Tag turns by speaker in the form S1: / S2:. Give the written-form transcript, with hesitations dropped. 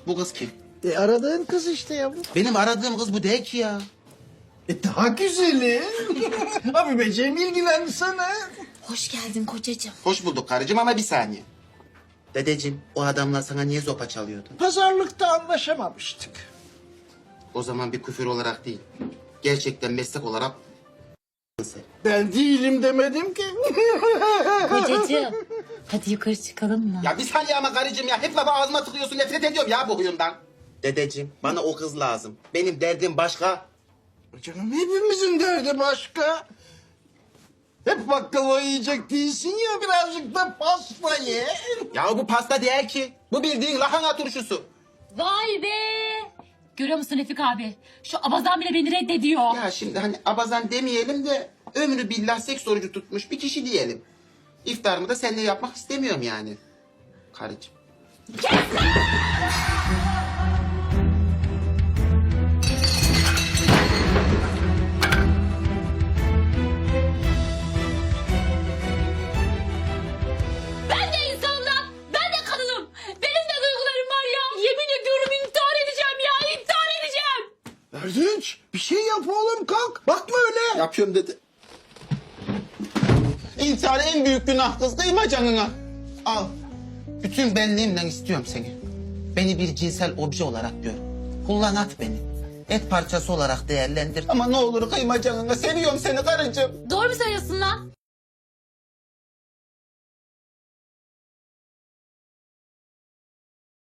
S1: Bu kız kim?
S2: Aradığın kız işte yavrum.
S1: Benim aradığım kız bu değil ki ya.
S2: Daha güzeli. Abi beceğim ilgilensene.
S3: Hoş geldin kocacığım.
S1: Hoş bulduk karıcığım ama bir saniye. Dedeciğim, o adamlar sana niye zopa çalıyordu?
S2: Pazarlıkta anlaşamamıştık.
S1: O zaman bir küfür olarak değil. Gerçekten meslek olarak sen.
S2: Ben değilim demedim ki.
S3: Kocacığım. Hadi yukarı çıkalım mı?
S1: Ya bir saniye ama karıcığım ya. Hep lafı ağzıma tıkıyorsun. Nefret ediyorum ya bu huyundan. Dedeciğim, bana o kız lazım. Benim derdim başka.
S2: Canım hepimizin derdi başka. Hep baklava yiyecek değilsin ya, birazcık da pasta ye.
S1: Ya bu pasta değil ki. Bu bildiğin lahana turşusu.
S3: Vay be! Görüyor musun Refik abi? Şu abazan bile beni reddediyor.
S1: Ya şimdi hani abazan demeyelim de ömrü billah seks orucu tutmuş bir kişi diyelim. İftarımı da seninle yapmak istemiyorum yani. Karıcığım.
S3: Ben de insanım lan! Ben de kadınım! Benim de duygularım var ya! Yemin ediyorum intihar edeceğim ya! İntihar edeceğim!
S2: Erdinç, bir şey yap oğlum, kalk. Bakma öyle.
S1: Yapıyorum dedi. İntihar en büyük günah kız, kıyma canına. Al. Bütün benliğimle istiyorum seni. Beni bir cinsel obje olarak gör. Kullan at beni. Et parçası olarak değerlendir. Ama ne olur kıyma canına. Seviyorum seni karıcığım.
S3: Doğru mu söylüyorsun lan?